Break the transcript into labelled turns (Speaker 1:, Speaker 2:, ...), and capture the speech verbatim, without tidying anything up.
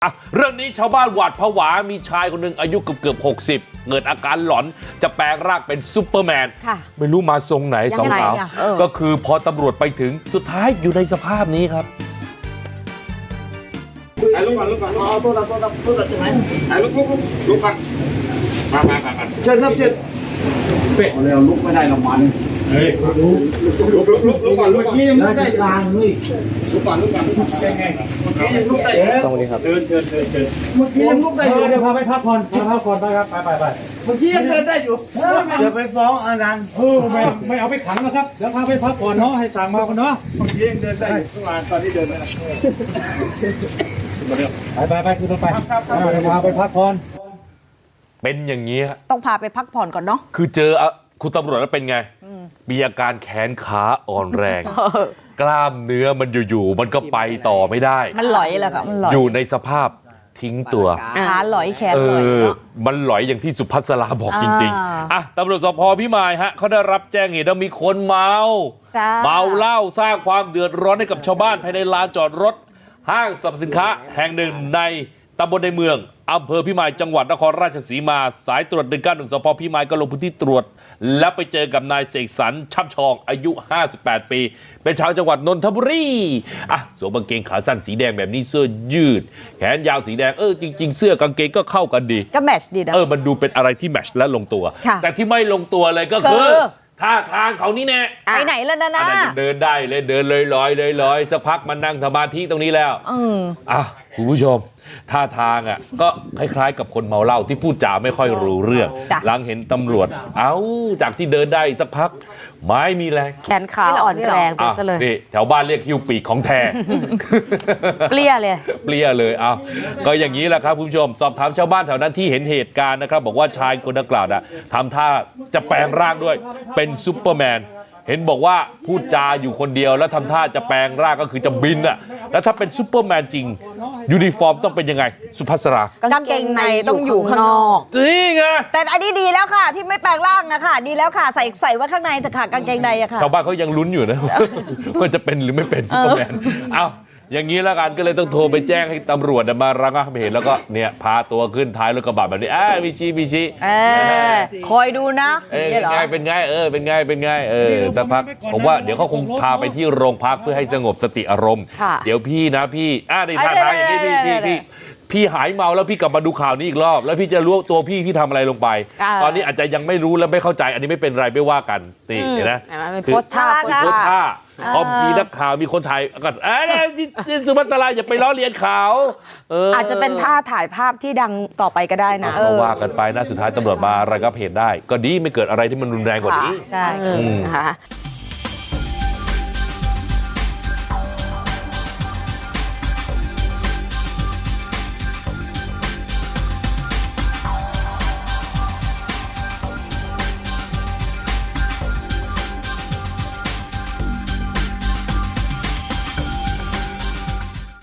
Speaker 1: อ่ะเรื่องนี้ชาวบ้านหวาดผวามีชายคนหนึ่งอายุเกือบเกือบหกสิบเกิดอาการหลอนจะแปลงร่างเป็นซุปเปอร์แมนไม่รู้มาทรงไหนสองสาวก็คือพอตำรวจไปถึงสุดท้ายอยู่ในสภาพนี้ครับ
Speaker 2: ถ่ายรูปก่อนรูปก่อนเอาตัวละตัวละตัวละใช่ไหมถ่ายรูปรูปรูปรูปก่อนมามามามาเชิญครับเชิญเป็ดเร็วลุกไม่ได้ละมันเฮ้ยลุกลุกลุกลุกลุกก่อนลุกก่อนยังลุกได้กลางเลยลุกก่อนลุกก่อนยังไงเมื่อกี้ยังลุกได้ตรงนี้ครับเชิญเชิญเชิญเชิญเมื่อกี้ยังลุกได้อยู่เดี๋ยวพาไปพักผ่อนพาพักผ่อนไปครับไปไปไปเมื่อกี้ยังเดินได้อยู่เดี๋ยวไปฟ้องอานันต์เออไม่ไม่เอาไปขังนะครับเดี๋ยวพาไปพักผ่อนเนาะให้สั่งมาคนเนาะเมื่อกี้ยังเดินได้อยู่เมื่อวานตอนที่เดินไม่ได้ไปไปไปคือไปเดี๋ยวพาไปพักผ่อน
Speaker 1: เป็นอย่างนี้
Speaker 3: ต้องพาไปพักผ่อนก่อนเนาะ
Speaker 1: คือเจอคุณตำรวจแล้วเป็นไงมีอาการแขนขาอ่อนแรงกล้ามเนื้อมันอยู่ๆมันก็ไปต่อไม่ได้
Speaker 3: มันหลอยแหละค่ะมันหลอย
Speaker 1: อยู่ในสภาพทิ้งตัว
Speaker 3: ขาหลอยแขนหลอยเนาะ
Speaker 1: มันหลอยอย่างที่สุภัสราบอกจริงๆอ่ะตำรวจสภ.พิมายฮะเขาได้รับแจ้งเหตุว่ามีคนเมาเมาเหล้าสร้างความเดือดร้อนให้กับชาวบ้านภายในลานจอดรถห้างสรรพสินค้าแห่งหนึ่งในตำบลในเมืองอำเภอพิมายจังหวัดนครราชสีมาสายตรวจหนึ่งเก้าหนึ่งสภ.พิมายก็ลงพื้นที่ตรวจและไปเจอกับนายเสกสรรช่ำชองอายุห้าสิบแปดปีเป็นชาวจังหวัดนนทบุรีอ่ะสวมกางเกงขาสั้นสีแดงแบบนี้เสื้อยืดแขนยาวสีแดงเออจริงๆเสื้อกางเกงก็เข้ากันดี
Speaker 3: ก็แมทช์ดีนะ
Speaker 1: เออมันดูเป็นอะไรที่แมทช์และลงตัวแต่ที่ไม่ลงตัวเลยก็คือท่าทางเขานี่แน่
Speaker 3: ไปไหนแล้วนะนะ
Speaker 1: เดินได้เลยเดินลอยลอยลอยลอยสักพักมันนั่งสมาธิตรงนี้แล้วอ่ะคุณผู้ชมท่าทางอ่ะก็คล้ายๆกับคนเมาเหล้าที่พูดจาไม่ค่อยรู้เรื่องหลังเห็นตำรวจเอ้าจากที่เดินได้สักพักไม้มีแรง
Speaker 3: แขนขาอ่อนแรงไปซะเลย
Speaker 1: นี่แถวบ้านเรียกฮิวปีกของแท้
Speaker 3: เปรี้ยเลย
Speaker 1: เปรี้ยเลยเอาก็อย่างนี้แหละครับคุณผู้ชมสอบถามชาวบ้านแถวนั้นที่เห็นเหตุการณ์นะครับบอกว่าชายคนดังกล่าวน่ะทำท่าจะแปลงร่างด้วยเป็นซุปเปอร์แมนเห็นบอกว่าพูดจาอยู่คนเดียวแล้วทำท่าจะแปลงร่างก็คือจะบินอ่ะแล้วถ้าเป็นซุปเปอร์แมนจริงยูนิฟอร์มต้องเป็นยังไงสุภัสราก
Speaker 3: างเกงในต้องอยู่ข้างนอก
Speaker 1: นี่ไง
Speaker 3: แต่อันนี้ดีแล้วค่ะที่ไม่แปลงร่างนะค่ะดีแล้วค่ะใส่ใส่ไว้ข้างในแต่ค่ะกางเกงในอะค่ะ
Speaker 1: ชาวบ้านเขายังลุ้นอยู่นะว่าจะเป็นหรือไม่เป็นซุปเปอร์แมนเอ้าอย่างนี้แล้วกันก็เลยต้องโทรไปแจ้งให้ตำรวจมาระงับเหตุแล้วก็เนี่ยพาตัวขึ้นท้ายรถกระบะแบบนี้อ่ามีชี้มีชี้
Speaker 3: คอยดูนะ
Speaker 1: เป็นไงเป็นไงเออเป็นไงเป็นไงเออสักพักผมว่าเดี๋ยวเขาคงพาไปที่โรงพักเพื่อให้สงบสติอารมณ์เดี๋ยวพี่นะพี่อ่าในท่าทางอย่างนี้พี่พี่พี่พี่หายเมาแล้วพี่กลับมาดูข่าวนี้อีกรอบแล้วพี่จะรู้ตัวพี่พี่ทำอะไรลงไปตอนนี้อาจจะยังไม่รู้และไม่เข้าใจอันนี้ไม่เป็นไรไม่ว่ากันนี่เห็นไหม
Speaker 3: โพสท่า
Speaker 1: โพสท่าพอมีนักข่าวมีคนถ่ายก็เอ้ยสุภัสราอย่าไปล้อเลียนข่าว
Speaker 3: อาจจะเป็นท่าถ่ายภาพที่ดังต่อไปก็ได้นะ
Speaker 1: ก็ว่ากันไปนะสุดท้ายตำรวจมาระงับเหตุได้ก็ดีไม่เกิดอะไรที่มันรุนแรงกว่านี้
Speaker 3: ใช่ค่ะ